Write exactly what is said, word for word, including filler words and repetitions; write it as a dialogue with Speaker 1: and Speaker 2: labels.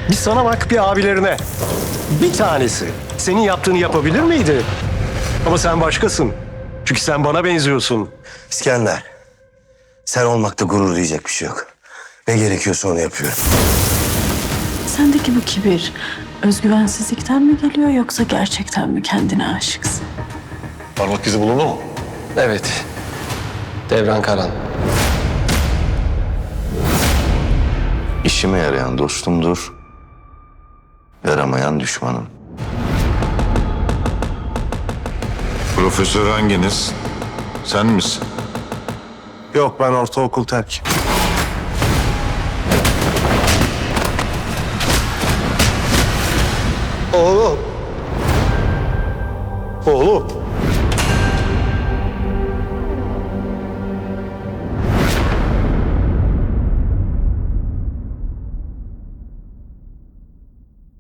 Speaker 1: Bir sana bak, bir abilerine. Bir tanesi senin yaptığını yapabilir miydi? Ama sen başkasın. Çünkü sen bana benziyorsun.
Speaker 2: İskender, sen olmakta gurur duyacak bir şey yok. Ne gerekiyorsa onu yapıyorum.
Speaker 3: Sendeki bu kibir özgüvensizlikten mi geliyor yoksa gerçekten mi kendine aşıksın?
Speaker 4: Parmak izi bulundu mu?
Speaker 1: Evet. Devran Karan.
Speaker 2: İşime yarayan dostumdur, yaramayan düşmanım.
Speaker 4: Profesör hanginiz? Sen misin?
Speaker 5: Yok, ben ortaokul terk.
Speaker 1: Oğlum. Oğlum.